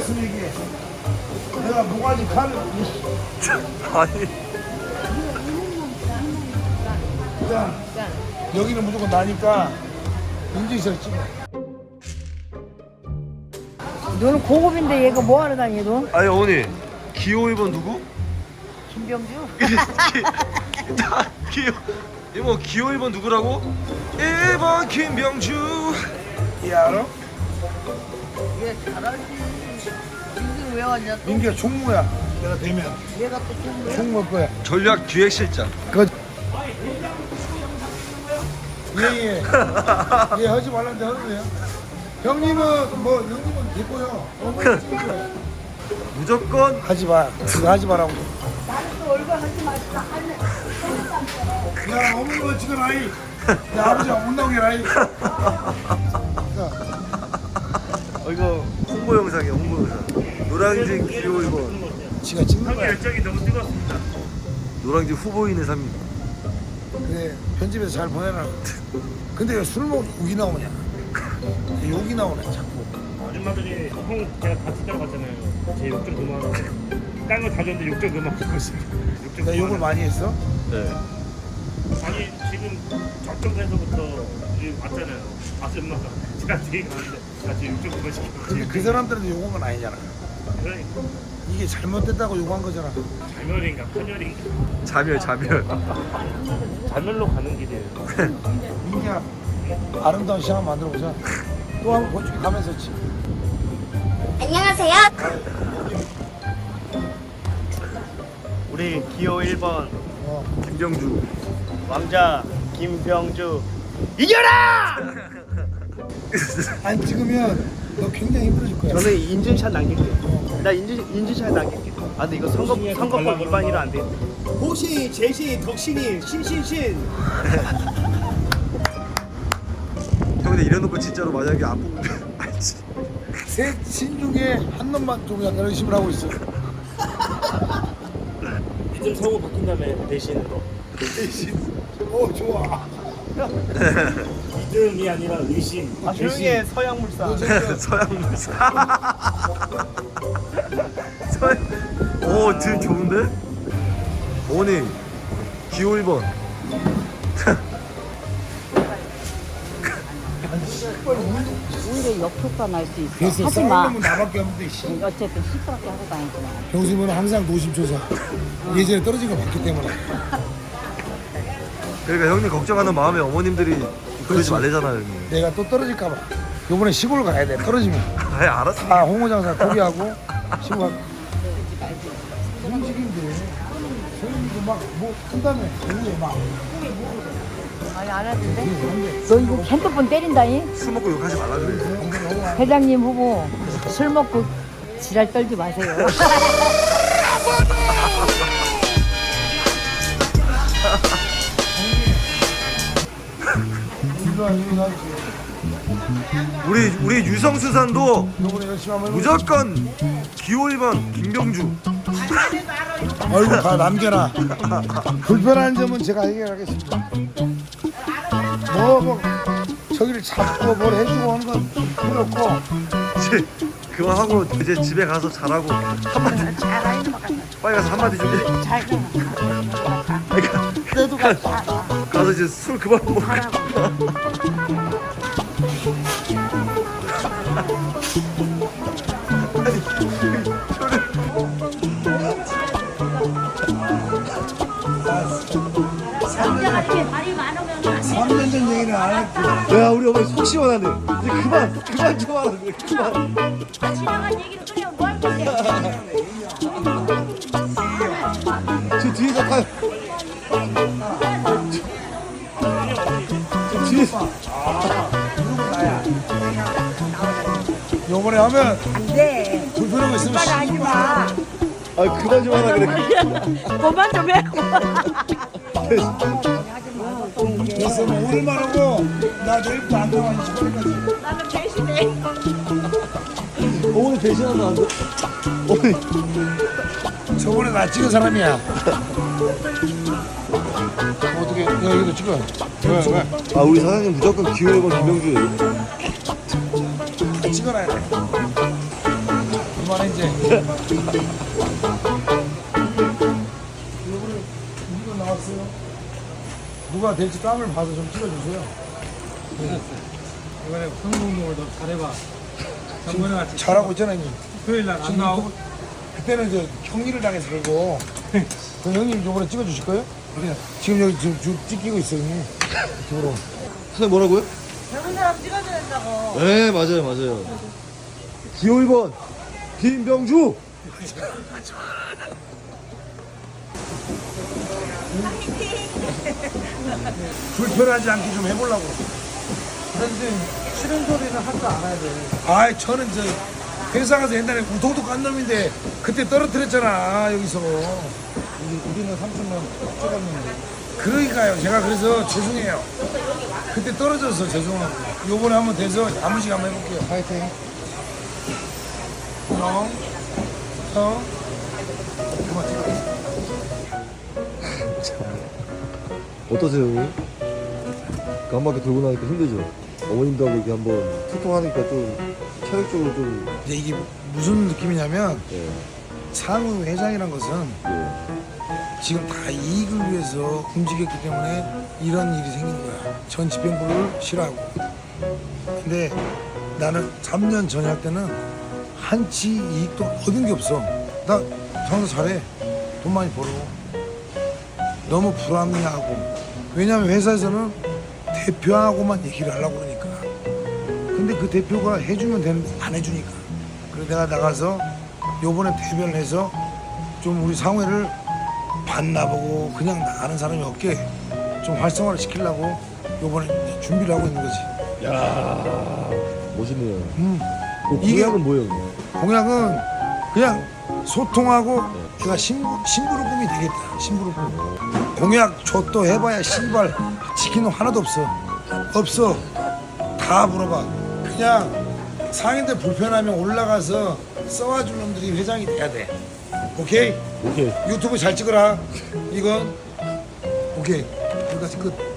됐으면 얘기해. 내가 모가지 칼을. 아니. 자, 여기는 무조건 나니까 인증샷 찍어. 너는 고급인데 얘가 뭐하러 다니 너? 아니 어머니 기호 1번 누구? 김병주? 이모 기호 1번 누구라고? 1번 김병주. 얘 알아? 얘 잘하지. 민규는 왜 왔냐 또? 민규야 총무야. 내가 되면 얘가 또 총무야? 총무일 거야. 전략 기획실장. 그 예예. 예 하지 말라는데 하는 거야. 형님은 뭐 형님은 됐고요. 무조건 하지 마. 그거 하지 마라고. 야 어머니가 지금 아이. 야 아버지가 못 나오게 아이. 이거 홍보 영상이야 홍보 영상. 노량진 기호 1번. 지가 찍는 거야. 열정이 너무 뜨겁습니다. 노량진 후보인의 삶. 그래 편집에서 잘 보내라. 근데 왜 술 먹고 욕이 나오냐? 욕이 나오네 자꾸. 아줌마들이 형 제가 같이 따라갔잖아요. 제 욕 좀 그만하고. 딴 거 다 줬는데 욕 좀 그만 듣고 있습니다. 욕좀 내가 욕을 많이 했어? 네. 아니 지금 저쪽에서부터 여기 왔잖아요. 아줌마가 제가 뒤에 가는데 같이 욕 좀 그만 시키고. 근데 그 사람들한테 욕한 건 아니잖아. 그러니까 이게 잘못됐다고 욕한 거잖아. 자멸인가 편열인가. 자멸. 자멸로 가는 길이에요. 민기야 아름다운 시간 만들어보자. 또 한번 고추기 가면서 치. 안녕하세요. 우리 기호 1번 김병주. 왕자 김병주 이겨라! 안 찍으면 너 굉장히 힘들어질 거야. 저는 인증샷 남길게요. 나 인증샷 남길게요. 아 근데 이거 선거법 위반이라 안 돼. 호시, 제시, 덕신이, 신신신. 형 근데 이래놓고 진짜로 만약에 안 뽑으면 알지. 셋 신중에 한 놈만 좀 약간 의심을 하고 있어. 이름 성우 바뀐 다음에 대신으로. 좋아. 믿음이 아니라 의심. 아 조용히 해 서양물산. 서양무사. 오 지금 좋은데? 어머니 기호 1번. 오히려 역효과 날 수 있어. 그래서 하지 마. 싸우는 놈은 나밖에 없는데 씨. 어쨌든 시끄럽게 하고 다니구나. 병수는 항상 노심초사. 예전에 떨어진 거 봤기 때문에. 그러니까 형님 걱정하는 마음에 어머님들이 그러지 말래잖아요 형님. 내가 또 떨어질까 봐. 요번에 시골 가야 돼. 떨어지면. 아예 알았어. 다 홍어장사 포기하고 시골 가. 움직인데. 소윤이도 막뭐 한다며. 오후에 막. 아니 안 하던데? 너 이거 핸드폰 때린다니? 술 먹고 욕하지 말라 그래. 회장님 후보 술 먹고 지랄 떨지 마세요. 우리 유성수산도 요번에 열심히 한번 무조건 기호 1번 김병주. 얼굴 다 남겨놔. 불편한 점은 제가 해결하겠습니다. 뭐 저기를 잡고 뭘 해주고 하는 건 필요 없고. 이제 그만하고 이제 집에 가서 잘하고 한마디. 빨리 가서 한마디 좀 해. 그러니까 너도 가자. 가서 이제 술 그만 먹고. 말이 많으면 3년 전 얘기는 안 할게. 야 우리 어머니 속 시원하네. 이제 그만 좀 하라 그래. 그만. 지나간 얘기를 그냥 뭘 건데. 저 뒤에서 가요. 저 뒤에서. 요번에 하면 네. 불편한 거 있으면 하지 마. 아 그만 좀 하라 그래. 그만 좀 해. 됐어. 뭐 오늘만 하고 나 내일부터 안 나와. 나는 대신에. 어머니 대신하면 안 돼. 어머니. 저번에 나 찍은 사람이야. 어떻게? 야 이거 찍어. 왜? 아 우리 사장님 무조건 기호 1번 김병주. 찍어놔야 돼. 그만해 이제. 이거 나왔어요. 누가 될지 깜을 봐서 좀 찍어주세요. 이번에 성공동을 더 잘해봐. 전번에 같이 잘하고 있잖아요. 형님. 토요일 날 안 지금 나오고 그때는 저 형리를 당해서 그러고 그 형님 이번에 찍어주실 거예요? 그래. 지금 여기 지금 찍히고 있어요. 형님. 이쪽으로. 선생님 뭐라고요? 젊은 사람 찍어줘야 된다고. 네 맞아요. 기호 1번 김병주. 불편하지 않게 좀 해보려고. 그런데 싫은 소리는 할 줄 알아야 돼. 아이 저는 저 회사 가서 옛날에 우통도 깐 놈인데 그때 떨어뜨렸잖아 여기서. 우리는 3천만 찍었는데. 그러니까요. 제가 그래서 죄송해요. 그때 떨어져서 죄송하고. 요번에 한번 돼서 야무지게 한번 해볼게요. 파이팅. 형. 그만 찍어. 어떠세요 형님? 한 바퀴 돌고 나니까 힘들죠? 어머님도 하고 이렇게 한번 소통하니까 좀 체력적으로 좀 이제 이게 무슨 느낌이냐면 예. 상우 회장이란 것은 예. 지금 다 이익을 위해서 움직였기 때문에 이런 일이 생긴 거야. 전 집행부를 싫어하고. 근데 나는 3년 전역 때는 한치 이익도 얻은 게 없어. 나 장사 잘해. 돈 많이 벌어. 너무 불합리하고. 왜냐면 회사에서는 대표하고만 얘기를 하려고 그러니까. 근데 그 대표가 해주면 되는데 안 해주니까. 그래서 내가 나가서 요번에 대변을 해서 좀 우리 상회를 반나보고 그냥 나가는 사람이 없게 좀 활성화를 시키려고 요번에 이제 준비를 하고 있는 거지. 야 멋있네요. 그 이게- 공약은 뭐예요? 형님? 공약은 그냥 소통하고 내가 심부름꾼이 되겠다. 심부름꾼. 공약 줬도 해봐야 씨발 지킨 놈 하나도 없어. 없어. 다 물어봐. 그냥 상인들 불편하면 올라가서 써와줄 놈들이 회장이 돼야 돼. 오케이? 오케이. 유튜브 잘 찍어라. 이건 오케이. 여기까지 끝.